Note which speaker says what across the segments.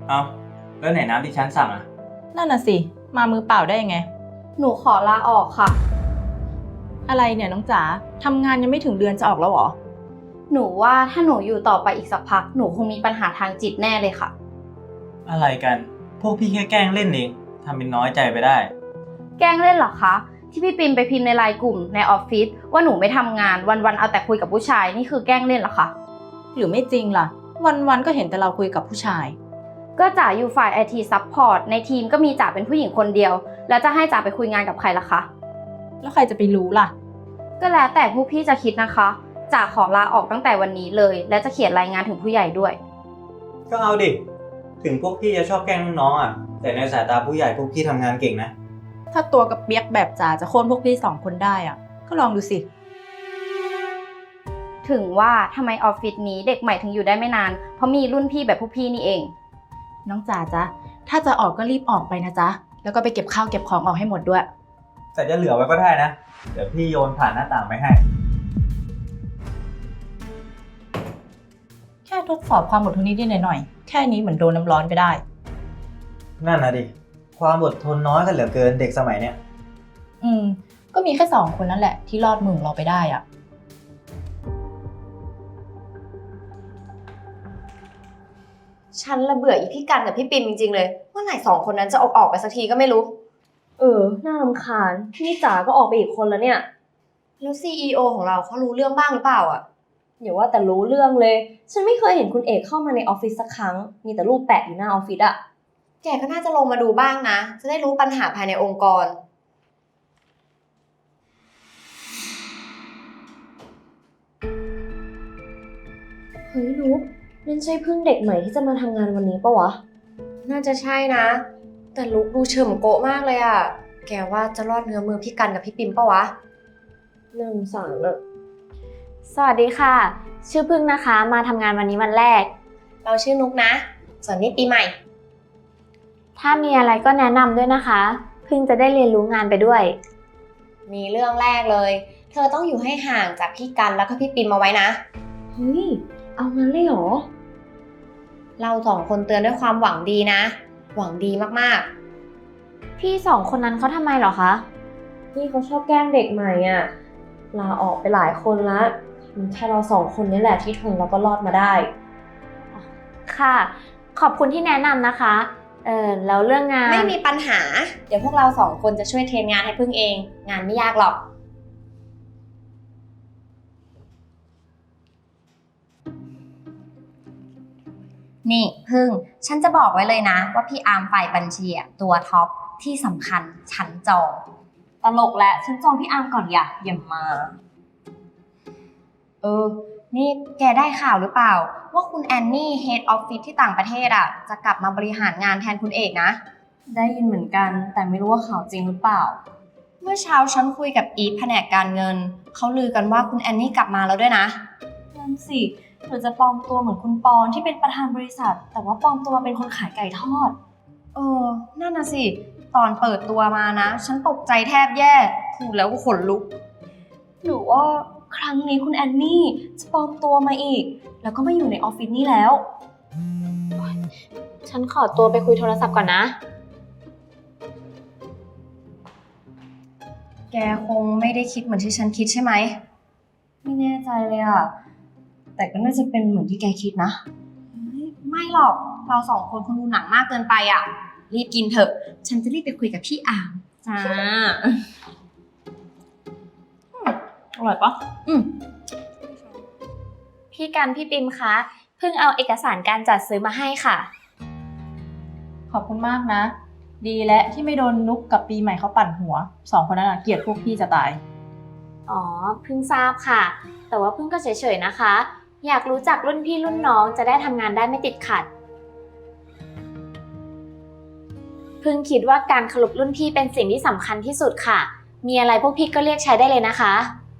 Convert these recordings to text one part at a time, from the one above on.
Speaker 1: เอาแล้วไหนน้ำที่ฉันสั่งอ่ะ
Speaker 2: นั่นน่ะสิมามือเปล่าได้ยังไง
Speaker 3: หนูขอลาออกค่ะ
Speaker 2: อะไรเนี่ยน้องจ๋าทำงานยังไม่ถึงเดือนจะออกแล้วเหรอ
Speaker 3: หนูว่าถ้าหนูอยู่ต่อไปอีกสักพักหนูคงมีปัญหาทางจิตแน่เลยค่ะ
Speaker 1: อะไรกันพวกพี่แค่แกล้งเล่นเองทำเป็นน้อยใจไปได้
Speaker 3: แกล้งเล่นเหรอคะที่พี่ปิมไปพิมพ์ในไลน์กลุ่มในออฟฟิศว่าหนูไม่ทำงานวันๆเอาแต่คุยกับผู้ชายนี่คือแกล้งเล่นเหรอคะ
Speaker 2: หรือไม่จริงล่ะวันๆก็เห็นแต่เราคุยกับผู้ชาย
Speaker 3: ก็จ๋าอยู่ฝ่าย IT Support ในทีมก็มีจ๋าเป็นผู้หญิงคนเดียวแล้วจะให้จ๋าไปคุยงานกับใครล่ะคะ
Speaker 2: แล้วใครจะไปรู้ล่ะ
Speaker 3: ก็แล้วแต่ผู้พี่จะคิดนะคะจ๋าขอลาออกตั้งแต่วันนี้เลยและจะเขียนรายงานถึงผู้ใหญ่ด้วย
Speaker 1: ก็เอาดิถึงพวกพี่จะชอบแกล้งน้องๆอ่ะแต่ในสายตาผู้ใหญ่พวกพี่ทำงานเก่งนะ
Speaker 2: ถ้าตัวกับเปียกแบบจ๋าจะโค่นพวกพี่2 คนได้อ่ะก็ลองดูสิ
Speaker 3: ถึงว่าทำไมออฟฟิศนี้เด็กใหม่ถึงอยู่ได้ไม่นานเพราะมีรุ่นพี่แบบพวกพี่นี่เอง
Speaker 2: น้องจ๋าจ๊ะถ้าจะออกก็รีบออกไปนะจ๊ะแล้วก็ไปเก็บข้าวเก็บของออกให้หมดด้วย
Speaker 1: แต่จะเหลือไว้ก็ได้นะเดี๋ยวพี่โยนผ่านหน้าต่างไปให้
Speaker 2: แค่ทดสอบความอดทนนิดๆหน่อยๆแค่นี้เหมือนโดนน้ำร้อนไปได้
Speaker 1: นั่นนะดิความอดทนน้อยกันเหลือเกินเด็กสมัยเนี้ย
Speaker 2: ก็มีแค่2 คนนั่นแหละที่รอดมือเราไปได้อ่ะ
Speaker 4: ฉันละเบื่ออีพี่กันกับพี่ปิมจริงๆเลยเมื่อไหร่2 คนนั้นจะออกไปสักทีก็ไม่รู้น่ารำคาญนี่จ๋าก็ออกไปอีกคนแล้วเนี่ยแล้ว CEO ของเราเขารู้เรื่องบ้างหรือเปล่าอ่ะอย่าว่าแต่รู้เรื่องเลยฉันไม่เคยเห็นคุณเอกเข้ามาในออฟฟิศสักครั้งมีแต่รูปแปะอยู่หน้าออฟฟิศอะแกก็น่าจะลงมาดูบ้างนะจะได้รู้ปัญหาภายในองค์กรเฮ้ยนุ๊กนั่นใช่เพิ่งเด็กใหม่ที่จะมาทำงานวันนี้ปะวะน่าจะใช่นะแต่ลุกดูเฉิมโกะมากเลยอะแกว่าจะรอดเงื้อมือพี่กันกับพี่ปิมปะวะน่าสงสารอะ
Speaker 5: สวัสดีค่ะชื่อพึ่งนะคะมาทำงานวันนี้วันแรก
Speaker 4: เราชื่อนุ๊กนะส่วนนี้ปีใหม่
Speaker 5: ถ้ามีอะไรก็แนะนำด้วยนะคะพึ่งจะได้เรียนรู้งานไปด้วย
Speaker 4: มีเรื่องแรกเลยเธอต้องอยู่ให้ห่างจากพี่กันแล้วก็พี่ปิมเอาไว้นะเฮ้ยเอางั้นเลยเหรอเรา2 คนเตือนด้วยความหวังดีนะหวังดีมาก
Speaker 5: ๆพี่2 คนนั้นเขาทำไมเหรอคะ
Speaker 4: พี่เขาชอบแกล้งเด็กใหม่อ่ะลาออกไปหลายคนแล้วมีแค่เรา2 คนนี่แหละที่ทนแล้วก็รอดมาได้
Speaker 5: ค่ะขอบคุณที่แนะนำนะคะแล้วเรื่องงาน
Speaker 4: ไม่มีปัญหาเดี๋ยวพวกเรา2 คนจะช่วยเทรนงานให้พึ่งเองงานไม่ยากหรอกนี่พึ่งฉันจะบอกไว้เลยนะว่าพี่อาร์มฝ่ายบัญชีตัวท็อปที่สำคัญฉันจองตลกและฉันจองพี่อาร์มก่อนอย่ามานี่แกได้ข่าวหรือเปล่าว่าคุณแอนนี่เฮดออฟฟิศที่ต่างประเทศจะกลับมาบริหารงานแทนคุณเอกนะได้ยินเหมือนกันแต่ไม่รู้ว่าข่าวจริงหรือเปล่าเมื่อเช้าฉันคุยกับอีฟแผนกการเงินเขาลือกันว่าคุณแอนนี่กลับมาแล้วด้วยนะนั่นสิหรือจะปลอมตัวเหมือนคุณปอนที่เป็นประธานบริษัทแต่ว่าปลอมตัวเป็นคนขายไก่ทอดนั่นน่ะสิตอนเปิดตัวมานะฉันตกใจแทบแย่พูดแล้วก็ขนลุกหรือว่าครั้งนี้คุณแอนนี่จะปลอมตัวมาอีกแล้วก็มาอยู่ในออฟฟิศนี่แล้ว
Speaker 5: ฉันขอตัวไปคุยโทรศัพท์ก่อนนะ
Speaker 4: แกคงไม่ได้คิดเหมือนที่ฉันคิดใช่ไหมไม่แน่ใจเลยแต่ก็น่าจะเป็นเหมือนที่แกคิดนะไม่หรอกเรา2 คนคงดูหนังมากเกินไปรีบกินเถอะฉันจะรีบไปคุยกับพี่อาร์มจ้า
Speaker 2: อร่อยปะ
Speaker 5: พี่กันพี่ปิมคะเพิ่งเอาเอกสารการจัดซื้อมาให้ค่ะ
Speaker 2: ขอบคุณมากนะดีและที่ไม่โดนนุกกับปีใหม่เขาปั่นหัว2 คนนั้นเกลียดพวกพี่จะตาย
Speaker 5: อ๋อเพิ่งทราบค่ะแต่ว่าเพิ่งก็เฉยๆนะคะอยากรู้จักรุ่นพี่รุ่นน้องจะได้ทำงานได้ไม่ติดขัดเพิ่งคิดว่าการเคารพรุ่นพี่เป็นสิ่งที่สำคัญที่สุดค่ะมีอะไรพวกพี่ก็เรียกใช้ได้เลยนะคะ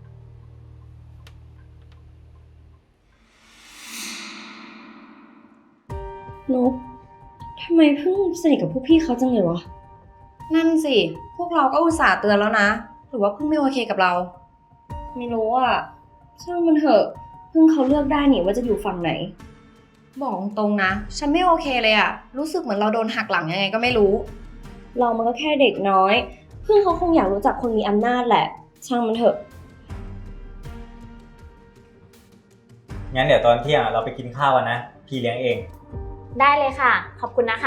Speaker 4: นุ๊กทำไมเพิ่งสนิทกับพวกพี่เขาจังเลยวะนั่นสิพวกเราก็อุตส่าห์เตือนแล้วนะหรือว่าเพิ่งไม่โอเคกับเราไม่รู้ช่างมันเถอะเพิ่งเขาเลือกได้นี่ว่าจะอยู่ฝั่งไหนบอกตรงๆนะ ฉันไม่โอเคเลยอะรู้สึกเหมือนเราโดนหักหลังยังไงก็ไม่รู้
Speaker 6: เรามันก็แค่เด็กน้อย พึ่งเขาคงอยากรู้จักคนมีอำนาจแหละ ช่างมันเถอะ
Speaker 1: งั้นเดี๋ยวตอนเที่ยงเราไปกินข้าวกันนะ พี่เลี้ยงเอง
Speaker 5: ได้เลยค่ะ ขอบคุณนะคะ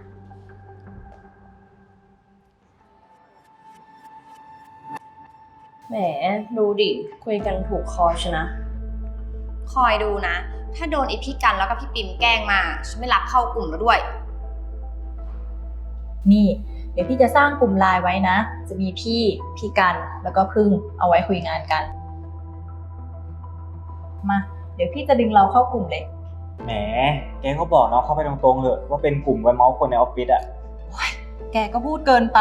Speaker 6: แหม ดูดิ คุยกันถูกคอชนะ
Speaker 4: คอยดูนะ ถ้าโดนไอพี่กันแล้วก็พี่ปิมแกล้งมา ฉันไม่รับเข้ากลุ่มแล้วด้วย
Speaker 2: นี่ เดี๋ยวพี่จะสร้างกลุ่มไลน์ไว้นะ จะมีพี่กันแล้วก็พึ่งเอาไว้คุยงานกัน มา เดี๋ยวพี่จะดึงเราเข้ากลุ่มเลย
Speaker 1: แหม แกก็บอกน้องเข้าไปตรงๆเถอะว่าเป็นกลุ่มไว้เมาส์คนในออฟฟิศอะ
Speaker 2: แกก็พูดเกินไป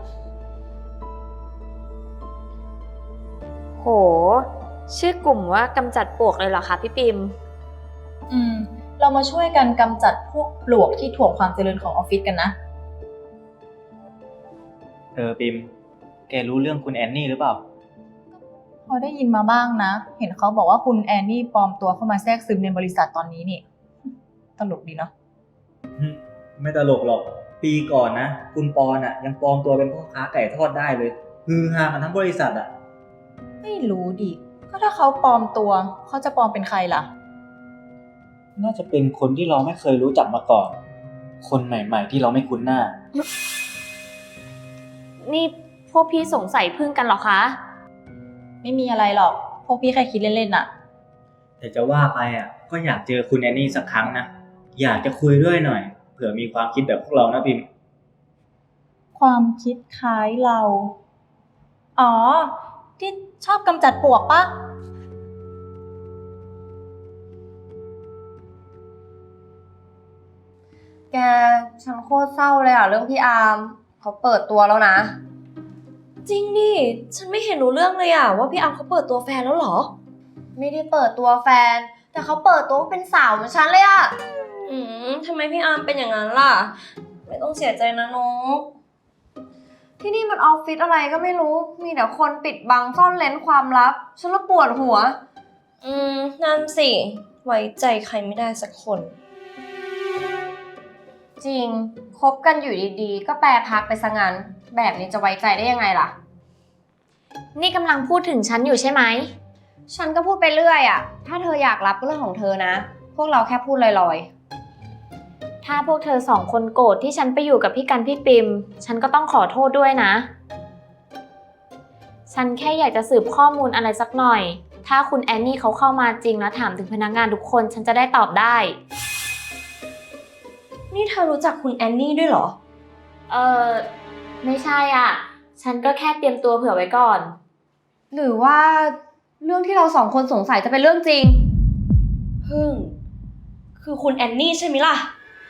Speaker 5: โห ชื่อกลุ่มว่ากำจัดปลวกเลยเหรอคะพี่ปิม
Speaker 2: เรามาช่วยกันกำจัดพวกปลวกที่ถ่วงความเจริญของออฟฟิศกันนะ
Speaker 1: ปิม แกรู้เรื่องคุณแอนนี่หรือเปล่า
Speaker 2: พอได้ยินมาบ้างนะ เห็นเขาบอกว่าคุณแอนนี่ปลอมตัวเข้ามาแทรกซึมในบริษัทตอนนี้นี่ ตลกดีเนาะ
Speaker 1: ไม่ตลกหรอก ปีก่อนนะ คุณปอนอะยังปลอมตัวเป็นพ่อค้าไก่ทอดได้เลยฮือฮากันทั้งบริษัทอะ
Speaker 2: ไม่รู้ดิ ก็ถ้าเขาปลอมตัว เขาจะปลอมเป็นใครล่ะ
Speaker 1: น่าจะเป็นคนที่เราไม่เคยรู้จักมาก่อน คนใหม่ๆที่เราไม่คุ้นหน้า
Speaker 5: นี่พวกพี่สงสัยพึ่งกันเหรอคะ
Speaker 2: ไม่มีอะไรหรอก พวกพี่แค่คิดเล่นๆน่ะ
Speaker 1: แต่จะว่าไปอะก็อยากเจอคุณแอนนี่สักครั้งนะ อยากจะคุยด้วยหน่อย เผื่อมีความคิดแบบพวกเรานะพิม
Speaker 2: ความคิดคล้ายเรา อ๋อ ที่ชอบกำจัดปลวกปะ
Speaker 4: แก ฉันโคตรเศร้าเลยอะเรื่องพี่อาร์มเขาเปิดตัวแล้วนะ
Speaker 6: จริงดิ ฉันไม่เห็นรู้เรื่องเลยอะว่าพี่อัมเขาเปิดตัวแฟนแล้วเหรอ
Speaker 4: ไม่ได้เปิดตัวแฟน แต่เขาเปิดตัวว่าเป็นสาวเหมือนฉันเลยอะ
Speaker 6: ทำไมพี่อาร์มเป็นอย่างนั้นล่ะ ไม่ต้องเสียใจนะนก
Speaker 4: ที่นี่มันออฟฟิศอะไรก็ไม่รู้ มีแต่คนปิดบังซ่อนเร้นความลับ ฉันละปวดหัว
Speaker 6: นั่นสิ ไว้ใจใครไม่ได้สักคน
Speaker 4: จริง คบกันอยู่ดีๆ ก็แปรพักไปซะงั้น แบบนี้จะไว้ใจได้ยังไงล่ะ
Speaker 5: นี่กำลังพูดถึงฉันอยู่ใช่ไหม
Speaker 4: ฉันก็พูดไปเรื่อยอะถ้าเธออยากรับก็เรื่องของเธอนะ พวกเราแค่พูดลอย
Speaker 5: ถ้าพวกเธอสองคนโกรธที่ฉันไปอยู่กับพี่กันพี่ปิม ฉันก็ต้องขอโทษด้วยนะ ฉันแค่อยากจะสืบข้อมูลอะไรสักหน่อย ถ้าคุณแอนนี่เขาเข้ามาจริงแล้วถามถึงพนักงานทุกคนฉันจะได้ตอบได้
Speaker 6: นี่เธอรู้จักคุณแอนนี่ด้วยเหรอ
Speaker 5: ไม่ใช่อ่ะ ฉันก็แค่เตรียมตัวเผื่อไว้ก่อน
Speaker 4: ๆ หรือว่าเรื่องที่เราสองคนสงสัยจะเป็นเรื่องจริง
Speaker 6: พึ่ง คือคุณแอนนี่ใช่ไหมล่ะ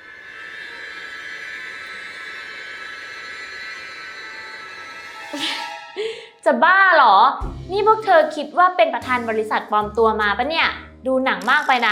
Speaker 5: จะบ้าเหรอ นี่พวกเธอคิดว่าเป็นประธานบริษัทปลอมตัวมาปะเนี่ย ดูหนังมากไปนะ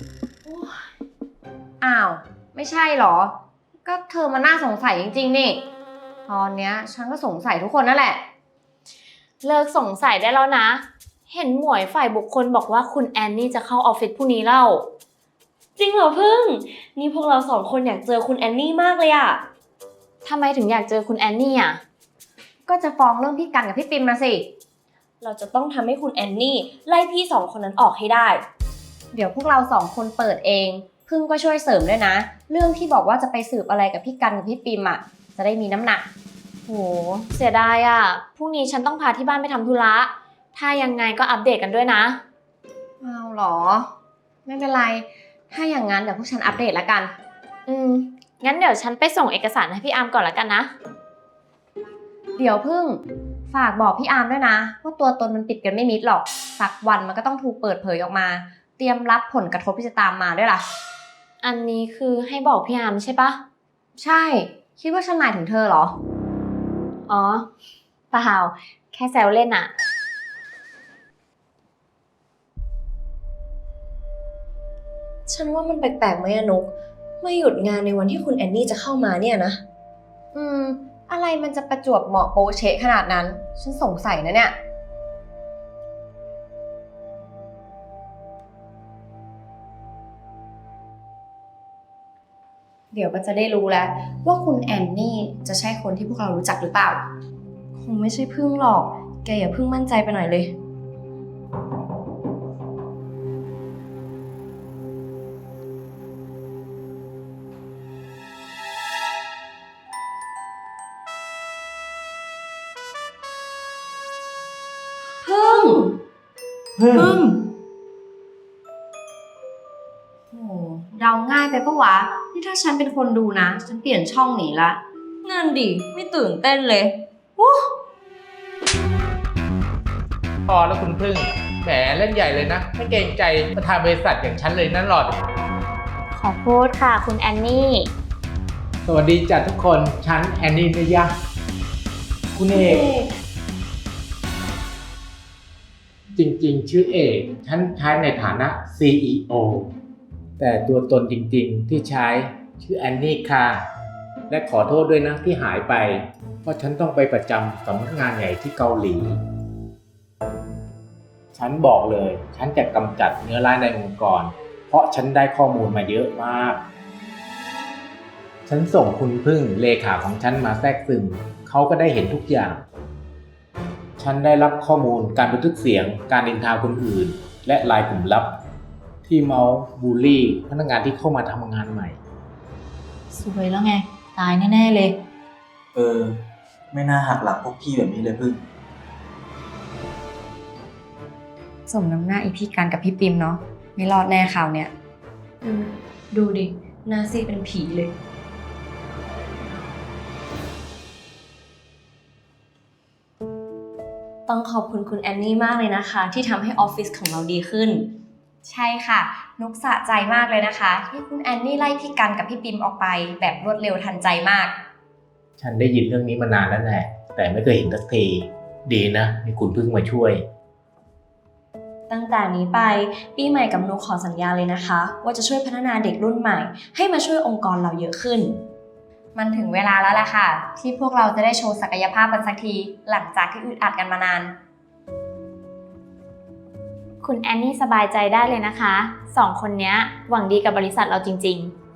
Speaker 4: อ้าว ไม่ใช่เหรอ ก็เธอมาน่าสงสัยจริงๆนี่ ตอนเนี้ยฉันก็สงสัยทุกคนนั่นแหละ
Speaker 5: เลิกสงสัยได้แล้วนะ เห็นหมวยฝ่ายบุคคลบอกว่าคุณแอนนี่จะเข้าออฟฟิศพรุ่งนี้เล่า
Speaker 6: จริงเหรอพึ่ง นี่พวกเราสองคนอยากเจอคุณแอนนี่มากเลยอะ
Speaker 5: ทำไมถึงอยากเจอคุณแอนนี่อ่ะ
Speaker 4: ก็จะฟ้องเรื่องพี่กันกับพี่ปิมมาสิ
Speaker 6: เราจะต้องทำให้คุณแอนนี่ไล่พี่สองคนนั้นออกให้ได้
Speaker 4: เดี๋ยวพวกเราสองคนเปิดเอง พึ่งก็ช่วยเสริมด้วยนะ เรื่องที่บอกว่าจะไปสืบอะไรกับพี่กันกับพี่ปิมอ่ะ จะได้มีน้ำหนัก
Speaker 5: โห เสียดายอ่ะ พรุ่งนี้ฉันต้องพาที่บ้านไปทำธุระ ถ้ายังไงก็อัปเดตกันด้วยนะ
Speaker 4: เอาเหรอ ไม่เป็นไร ถ้าอย่างนั้นเดี๋ยวพวกฉันอัปเดตแล้วกัน
Speaker 5: งั้นเดี๋ยวฉันไปส่งเอกสารให้พี่อาร์มก่อนแล้วกันนะ
Speaker 4: เดี๋ยวพึ่งฝากบอกพี่อาร์มด้วยนะว่าตัวตนมันปิดกันไม่มิดหรอก สักวันมันก็ต้องถูกเปิดเผยออกมา เตรียมรับผลกระทบที่จะตามมาด้วยล่ะ
Speaker 5: อันนี้คือให้บอกพี่อาร์มใช่ปะ
Speaker 4: ใช่ คิดว่าฉันหมายถึงเธอเหรอ
Speaker 5: อ๋อ เปล่า แค่แซวเล่นอะ
Speaker 6: ฉันว่ามันแปลกๆไหมอะนุกไม่หยุดงานในวันที่คุณแอนนี่จะเข้ามาเนี่ยนะ
Speaker 4: อะไรมันจะประจวบเหมาะโปะเชะขนาดนั้น ฉันสงสัยนะเนี่ยเดี๋ยวก็จะได้รู้แล้วว่าคุณแอนนี่จะใช่คนที่พวกเรารู้จักหรือเปล่า คงไม่ใช่พึ่งหรอก แกอย่าเพิ่งมั่นใจไปหน่อยเลย พึ่ง พึ่ง โอ้เดาง่ายไปปะวะ นี่ถ้าฉันเป็นคนดูนะ ฉันเปลี่ยนช่องหนีละนั่นดิ ไม่ตื่นเต้นเลย
Speaker 7: พอแล้วคุณพึ่งแหมเล่นใหญ่เลยนะ ไม่เกรงใจประธานบริษัทอย่างฉันเลยนั่นหลอด
Speaker 5: ขอโทษค่ะคุณแอนนี่
Speaker 7: สวัสดีจ้ะทุกคนฉันแอนนี่นะยะ
Speaker 1: คุณเอก
Speaker 7: จริงๆ ชื่อเอกฉันใช้ในฐานะ CEO แต่ตัวตนจริงๆ ที่ใช้ชื่อแอนนี่ค่ะ และขอโทษด้วยนะที่หายไป เพราะฉันต้องไปประจำสำนักงานใหญ่ที่เกาหลี ฉันบอกเลย ฉันจะกำจัดเนื้อร้ายในองค์กร เพราะฉันได้ข้อมูลมาเยอะมาก ฉันส่งคุณพึ่งเลขาของฉันมาแทรกซึมเขาก็ได้เห็นทุกอย่าง ฉันได้รับข้อมูลการบันทึกเสียงการนินทาคนอื่น และไลน์กลุ่มลับ ที่เมาส์บูลลี่พนักงานที่เข้ามาทำงานใหม่
Speaker 2: สวยแล้วไง ตายแน่ๆเลย
Speaker 1: ไม่น่าหักหลังพวกพี่แบบนี้เลยพึ่ง
Speaker 4: สมน้ำหน้าอีพี่กันกับพี่ปิมเนาะ ไม่รอดแน่ข่าวเนี่ย ดูดิ หน้าซีดเป็นผีเลย ต้องขอบคุณคุณแอนนี่มากเลยนะคะ ที่ทำให้ออฟฟิศของเราดีขึ้น ใช่ค่ะนุกสะใจมากเลยนะคะ ที่คุณแอนนี่ไล่พี่กันกับพี่ปิมออกไป แบบรวดเร็วทันใจมาก
Speaker 7: ฉันได้ยินเรื่องนี้มานานแล้วแหละแต่ไม่เคยเห็นสักทีดีนะมีคุณพึ่งมาช่วย
Speaker 4: ตั้งแต่นี้ไปปีใหม่กับนุกขอสัญญาเลยนะคะ ว่าจะช่วยพัฒนาเด็กรุ่นใหม่ ให้มาช่วยองค์กรเราเยอะขึ้น มันถึงเวลาแล้วล่ะค่ะ ที่พวกเราจะได้โชว์ศักยภาพกันสักที หลังจากที่อึดอัดกันมานาน
Speaker 5: คุณแอนนี่สบายใจได้เลยนะคะ 2 คนเนี้ยหวังดีกับบริษัทเราจริงๆ